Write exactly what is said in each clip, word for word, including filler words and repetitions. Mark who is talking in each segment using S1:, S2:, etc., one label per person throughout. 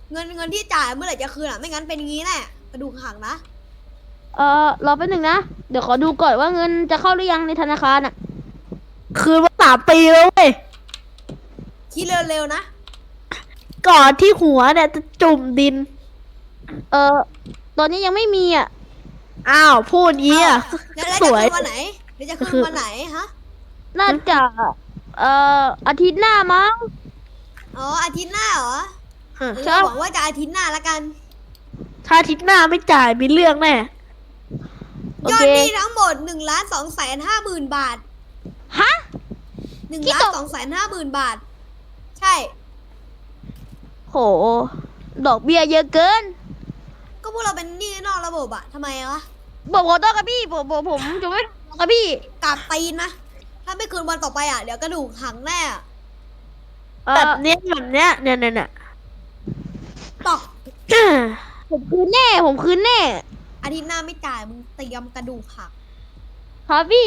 S1: เงินเงินที่จ่ายเมื่อไหร่จะคืนอ่ะไม่งั้นเป็นงี้แน่กระดูกหักนะ
S2: เออรอแป๊บหนึ่งนะเดี๋ยวขอดูก่อนว่าเงินจะเข้าหรือยังในธนาคารอ่ะ
S3: คืนมาสามปีแล้วเว้ย
S1: คิดเร็วๆนะ
S3: ก่อนที่หัวเนี่ยจะจุ่มดิน
S2: เออตอนนี้ยังไม่มีอ่ะ
S3: อ้าวพูดงี้อ่ะ
S1: แล้วจะ
S3: ส
S1: คื
S3: วย
S1: นวันไหนเดี๋ยวจะคืนวันไหนฮะ
S2: น่าจะเอ่ออาทิตย์หน้ามั้ง
S1: อ๋ออาทิตย์หน้าเหรอ
S2: ใช่
S1: หวังว่าจะอาทิตย์หน้าละกัน
S3: ถ้าอาทิตย์หน้าไม่จ่ายมีเรื่องแน่
S1: ยอดหนี้ทั้งหมดหนึ่งล้านสองแสนห้าหมื่นบาท
S2: ฮะ
S1: หนึ่งล้านสองแสนห้าหมื่นบาทใช่
S2: โหดอกเบี้ยเยอะเกิน
S1: ก็พวกเราเป็นหนี้นอกระบบอะทำไมวะ
S2: บอกขอโทษครับพี่ผมผมผมจะไม่ครับพี่
S1: กลับตีนนะถ้าไม่คืนวันต่อไปอะเดี๋ยวกระดูกหักแน่
S3: แบบเนี้ยแบบเนี้ยเนี่ยเนี่ยเนี่ย
S1: ตอก
S2: ผมคืนแน่ผมคืนแน่
S1: อาทิตย์หน้าไม่จ่ายมึงเตรียมกระดูกหัก
S2: ครับพี่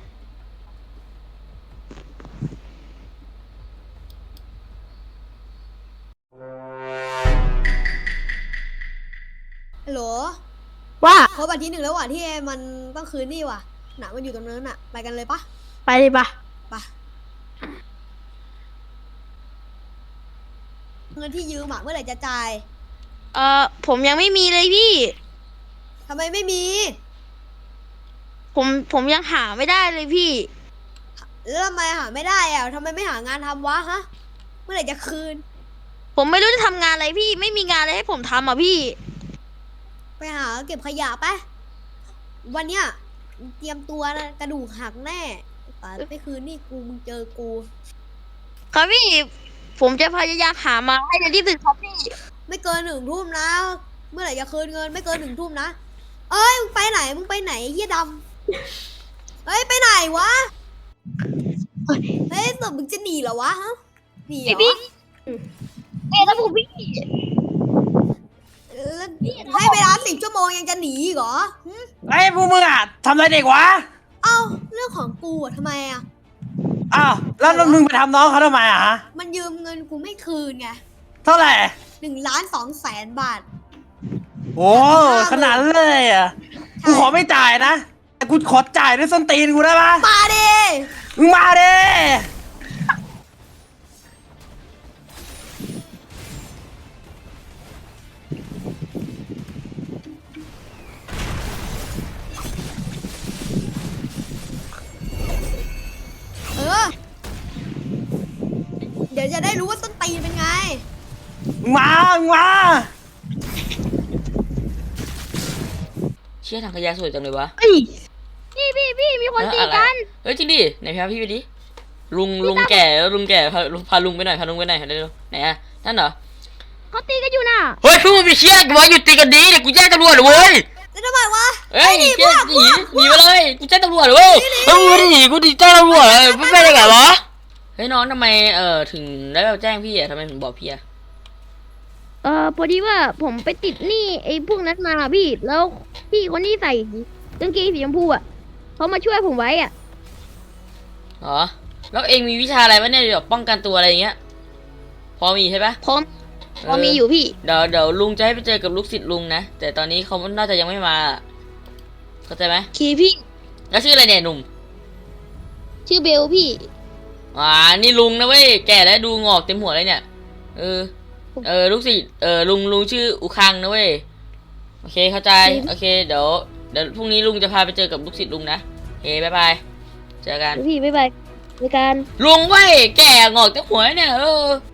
S1: ฮัลโหล
S3: ว่า
S1: ครบอาทิตย์หนึ่งแล้วว่ะที่มันต้องคืนนี่ว่ะหนามันอยู่ตรงนั้นอะไปกันเลยปะ
S3: ไปเลยปะ
S1: ปะเงินที่ยืมอะเมื่อไหร่จะจ่าย
S2: เอ่อผมยังไม่มีเลยพี่
S1: ทำไมไม่มี
S2: ผมผมยังหาไม่ได้เลยพี่
S1: แล้วทำไมหาไม่ได้อะทำไมไม่หางานทำวะฮะเมื่อไหร่จะคืน
S2: ผมไม่รู้จะทำงานอะไรพี่ไม่มีงานอะไรให้ผมทำอ่ะพี่
S1: ไปหาเก็บขยะไปวันเนี้ยเตรียมตัวนะกระดูกหักแน่แต่ไม่คืนนี่กูมึงเจอกู
S2: ครับพี่ผมจะพยายามหามาให้เร็วที่สุดครับพี่
S1: ไม่เกินหนึ่งทุ่มนะเมื่อไหร่จะคืนเงินไม่เกินหนึ่งทุ่มนะเอ้ยมึงไปไหนมึงไปไหนเฮียดำเฮ้ยไปไหนวะเฮ้ยสมมึงจะหนีเหรอวะฮะหนีเหรอ
S2: พี่เอ๊ะแล้วผมพี่
S1: ให้เวลาสิบชั่วโมงยังจะหนีอีกเหรอ
S4: ไอ้พวกมึงอ่ะทำอะไรเด็กวะ
S1: เอ้าเรื่องของกูอะทำไมอะ
S4: อ้าวแล้วมึงไปทำน้องเขาทำไมอ่ะฮะ
S1: มันยืมเงินกูไม่คืนไง
S4: เท่าไหร่
S1: หนึ่งล้านสองแสนบาท
S4: โอ้ขนาดเลยอ่ะกูขอไม่จ่ายนะแต่กูขอจ่ายด้วยส้นตีนกูได้ปะ
S1: มาดิ
S4: มึงมาดิ
S1: เออเดี๋ยวจะได้รู้ว่าต้นตีนเป็นไง
S4: มึงมามึงมา
S5: เชี่ยทางขยะสวยจังเลยวะ
S2: พี่พี่พี่มีคนตีกัน
S5: เฮ้ยจริงดิไหนพาพี่ไปดิลุงลุงแก่แล้วลุงแก่พาพาลุงไปหน่อยพาลุงไปหน่อยเร็วไหนอะนั่นเหรอ
S2: เขาตีกันอยู่น่ะ
S5: เฮ้ยพวกมึงไปเชี่ยกูว่าหยุดตีกันดีเดี๋ยวกูแจ้งตำรวจเลยเว้ย
S1: แล้วทำไมวะ
S5: เฮ้ยหนีหนีหนีไปเลยกูแจ้งตำรวจเลยเว้ยเฮ้ยกูหนีกูดีแจ้งตำรวจเลยไม่ไปได้ไงวะเฮ้ยน้องทำไมเอ่อถึงได้แบบแจ้งพี่อะทำไมถึงบอกพี่อะ
S2: เออพอดีว่าผมไปติดหนี้ไอ้พวกนั้นมาพี่แล้วพี่คนที่ใส่กางเกงสีชมพูอ่ะเขามาช่วยผมไว้อ่ะ
S5: อ๋อแล้วเองมีวิชาอะไรวะเนี่ยแบบป้องกันตัวอะไรอย่างเงี้ยพอมีใช่ปะ
S2: พร้อมพอมีอยู่พี่
S5: เดี๋ยวเดี๋ยวลุงจะให้ไปเจอกับลูกศิษย์ลุงนะแต่ตอนนี้เขาน่าจะยังไม่มาเข้าใจไหม
S2: คีพี่
S5: แล้วชื่ออะไรเนี่ยหนุ่ม
S2: ชื่อเบลพี่
S5: อ่านี่ลุงนะเว้ยแก่แล้วดูงอกเต็มหัวเลยเนี่ยเออเออลูกศิษย์เออลุงลุงชื่ออุคังนะเว้ยโอเคเข้าใจโอเคเดี๋ยวเดี๋ยวพรุ่งนี้ลุงจะพาไปเจอกับลูกศิษย์ลุงนะเฮ้ยบายบายเจอกัน
S2: พี่บ๊ายบายในการ
S5: ลุงเว้ยแก่งอกเต็มหัวเนี่ยเออ